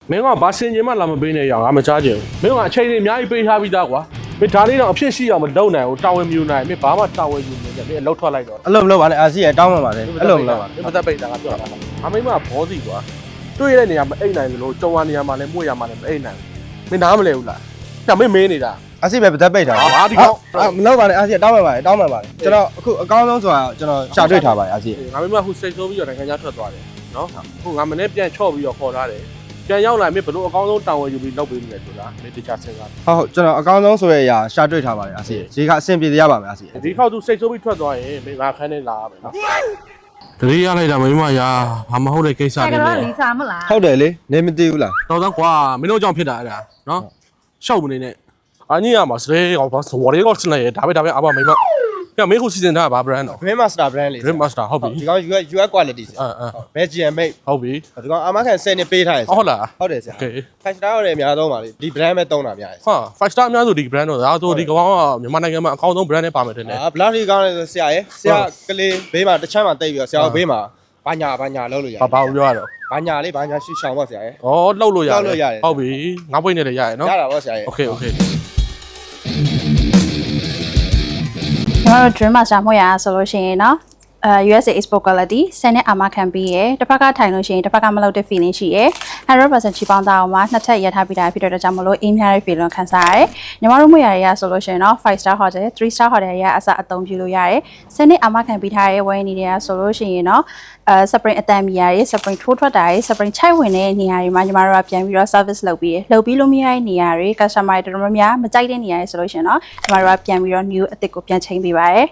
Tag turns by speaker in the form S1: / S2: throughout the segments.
S1: မင်းကဘာစင်ကျင်မှလာမပေးနဲ့ရအောင်ငါမချားချင်ဘူးမင်းကအချိန်ကြီးအများကြီးပေးထားပြီးသားကွာမင်းဒါလေးတော့အဖြစ်ရှိအောင်မလုပ်နိုင်ဘူးတာဝန်မယူနိုင်မင်းဘာမှတာဝန်ယူနေတယ်မင်းအလုပ်ထွက်လိုက်တော့
S2: အဲ့လိုမလုပ်ပါနဲ့အာစီရတောင်းမှပါလေအဲ့လိုမလုပ်ပါ
S1: မင်းမသက်ပိတ်တာကပြောတာအမိမဘောစီကွာတွေ့ရတဲ့နေရာမအိတ်နိုင်ဘူးလို့ကြုံရနေရာမှာလည်းမှုရမှာလည်းမအိတ်နိုင်ဘူးမင်းနားမလဲဘူးလားဒါမင်းမေးနေတာ
S2: အာစီပဲပသက်ပိတ်တာ
S1: ဟာဒီကောင်
S2: မလုပ်ပါနဲ့အာစီတောင်းမှပါလေတောင်းမှပါလေကျွန်တော်အခုအကောင်းဆုံးဆိုတာကျွန်တော်ရှာတွေ့ထားပါတယ်အာစီ
S1: ငါမိမဟိုစိတ်ဆိုးပြီးတော့နိုင်ငံခြားထွက်သွားတယ်နော်ဟိုငါမနေ့ပြန်ချော့ပြီးတော့ခေါ်ထားတယ်ပြန်ရောက်လာမင်းဘလို့အကောင်းဆုံးတာဝန်ယူပြီးလုပ်ပေးမယ်ဆိုတာမင်းတခြားစဉ်းစား
S2: ဟုတ်ကျွန်တော်အကောင်းဆုံးဆိုရအရာရှာတွေ့ထားပါတယ်အာစီရေကအဆင်ပြေရပါမယ်အာစီ
S1: ဒီခေါက်သူစိတ်ဆိုးပြီးထွက်သွားရင်မင်းငါခန်းနဲ့လာရမယ်နော်တတိယလိုက်တာမိမရာဘာမဟုတ်တဲ့ကိစ္စတွေ
S3: အဲ့
S1: လေ
S3: တော့လီစာမလား
S2: ဟုတ်တယ်လေနေမသိဘူးလား
S1: တော်တော့ကွာမင်းတို့ကြောင့်ဖြစ်တာအဲ့ဒါနော်ရှောက်မနေနဲ့အညီရမှာစရဲကောဘာစဝရဲကောစနေဒါပဲအဘမိမကမင်းခုစီစဉ်ထားတာဘာ brand တော့
S2: Dream Master brand လေး
S1: Dream Master ဟုတ်ပြီ
S2: ဒီကောင် US quality ဘယ် GM8
S1: ဟုတ်ပြီ
S2: ဒီကောင်အမခံ10နှစ်ပေးထားတယ်
S1: ဟုတ်လား
S2: ဟုတ်တယ်ဆရာ
S1: โอเค
S2: 5 star ရတယ်အများဆုံးပါလေဒီ brand ပဲတုံးတာများတယ်
S1: ဟာ 5 star အများစုဒီ brand တော့ဒါဆိုဒီကောင်ကမြန်မာနိုင်ငံမှာအကောင်းဆုံး brand နဲ့ပါမယ်တင်တယ်
S2: ဘလောက်ဒီကောင်းလဲဆိုဆရာရဲ့ဆရာကလေးဘေးမှာတစ်ချမ်းမှာတိတ်ပြီးတော့ဆရာဘေးမှာဘာညာလောက်လို့ရတယ်
S1: ဘာပြောရတော့
S2: ဘာညာလေးဘာညာရှူရှောင်ပါဆရာရဲ့
S1: ဩလှုပ်လို့ရတယ်ဟုတ်ပြီငါးပွင့်နဲ့လည်းရတယ်နော်
S2: ရတာပေါ့ဆရာရဲ့
S1: โอเค
S3: ကျွန်တော်တို့ Dream Master မှတ်ရဆိုလို့ရှိရင်เนาะUSA export quality 10နဲ့အာမခံပြီးရယ်တစ်ဖက်ကထိုင်လို့ရှိရင်တစ်ဖက်ကမလုပ်တဲ့ feeling ရှိရယ် 100% ချီပေါင်းသားအောင်မှာနှစ်ထပ်ရထားပြီးတာဖြစ်တဲ့ကြောင့်မလို့အင်းများတဲ့ feeling ခံစားရတယ်ညီမတို့မှတ်ရရဆိုလို့ရှိရင်เนาะ5 star hotel 3 star hotel ရအစအသုံးပြုလို့ရတယ်10နဲ့အာမခံပြီးထားရဲဝယ်နေတယ်ဆိုလို့ရှိရင်เนาะspring အတန်မီရယ် spring ထိုးထွက်တာရယ် spring ချိုက်ဝင်တဲ့နေရာတွေမှာညီမတို့ကပြန်ပြီးတော့ service လုပ်ပြီးလို့မရတဲ့နေရာတွေ customer တွေတော်တော်များမကြိုက်တဲ့နေရာတွေဆိုလို့ရှိရင်เนาะညီမတို့ကပြန်ပြီးတော့ new အသစ်ကိုပြန်ချိန်ပေးပါရယ်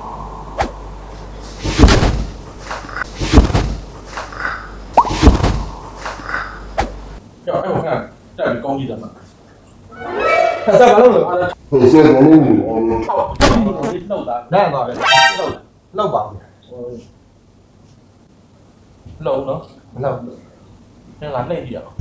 S1: ကြောက်အဲ့ဟိုကတက်ပြီးကောင်းကြည့်တယ်မှာ
S2: ဆရာဘာလို့လဲ
S1: ဟုတ်လှုပ်တာ
S2: နားပါပဲ
S1: လှုပ်
S2: လောက်ပါ
S1: လှုပ်နော်
S2: မလောက်
S1: ငါလှည့်ကြည့်ရအောင်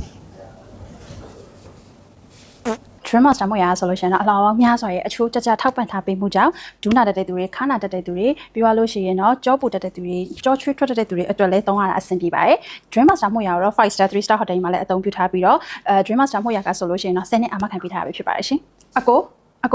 S3: Dream Master မှတ်ရဆိုလို့ရှိရင်တော့အလောင်းများစွာရဲ့အချိုးကြထောက်ပံ့ထားပေးမှုကြောင့်ဒူးနာတက်တဲ့သူတွေခါနာတက်တဲ့သူတွေပြီးသွားလို့ရှိရင်တော့ကြောပူတက်တဲ့သူတွေကြောချွေးထွက်တဲ့သူတွေအတွက်လည်းသုံးရတာအဆင်ပြေပါတယ် Dream Master မှတ်ရတော့5 star 3 star hotel မှာလည်းအသုံးပြုထားပြီးတော့Dream Master မှတ်ရကဆိုလို့ရှိရင်တော့10နှစ်အာမခံပေးထားရပဲဖြစ်ပါတယ်ရှင်အကို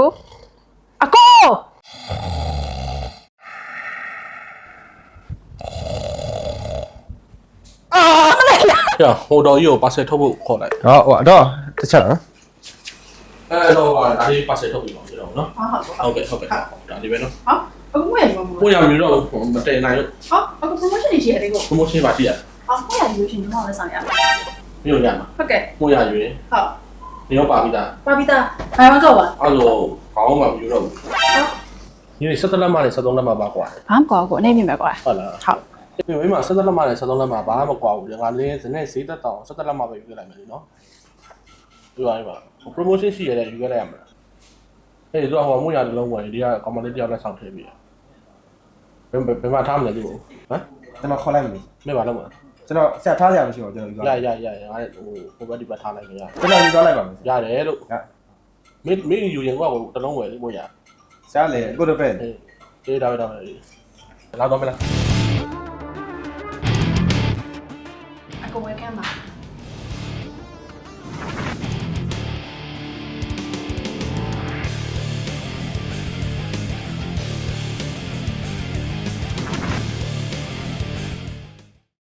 S1: ရဟိုတော်ကြီးကိုပါဆယ်ထုတ်ဖို့ခေါ်လိုက်
S2: ဟောတော့တစ်ချက်နော်
S1: အဲ့တော့ဒါလေးပါဆယ်ထုတ်ပြီးပါဦးတော့နော်
S3: ဟုတ်
S1: ဟုတ်ကဲ့ဒါလေးပဲနော်
S3: အခုမှရမှာ
S1: ကိုရမျိုးတော့မတည်နိုင်လို့
S3: အခု promotion တွေရှိရတယ်ကို
S1: promotion ပါရှိရ
S3: မှရယူရှင်ကျွန်တော်လည်းဆောင်ရပါ
S1: မြို့ရမှာ
S3: ဟုတ်ကဲ့
S1: ကိုရရွေး
S3: ဟုတ်
S1: နေရောပါပြီးသား
S3: ပါပြီးသားဘာမှကောက်ပါ
S1: အဲ့လိုခေါင်းမှမယူတော့ဘူးဒီ17လက်မှနဲ့17လက်မှပါကွာ
S3: ဘာမှကောက်ကိုအနေမြင်ပဲကွာ
S1: ဟုတ်လား
S3: ဟုတ်
S1: ဒီမိမ17လက်မှနဲ့17လက်မှဘာမှမကွာဘူးငါလင်းစနဲ့ဈေးသက်တောင်17လက်မှပဲယူလိုက်မယ်လीနော်ဒီပါပါ promotion ရှိရတဲ့ယူခဲ့လိုက်ရမှာအဲ့ဒီတော့ဟိုမို့ရလုံးဝင်ဒီကကောင်မလေးတယောက်လက်ဆောင်ထည့်ပြီးဘယ်မှာထားမလဲသူ့ဟမ်
S2: ကျွန်တော်ခေါ်လိုက်မယ်
S1: မင်းပါလုံးမ
S2: ကျွန်တော်ဆရာထားဆရာမရှိပါဘူးကျွန်တော်ယူသွား
S1: ရငါဟိုဘက်ဒီဘက်ထားလိုက်ကြရ
S2: ကျွန်တော်ယူသွားလိုက်ပါမယ်
S1: ရတယ်လို့မင်းယူရင်ကတလုံးဝယ်လေးမို့ရ
S2: ဆရာလည်းကိုတော့ပဲ
S1: အေးဒါပဲလာတော့မလား
S3: အကိုဝယ်ကမ်းပါ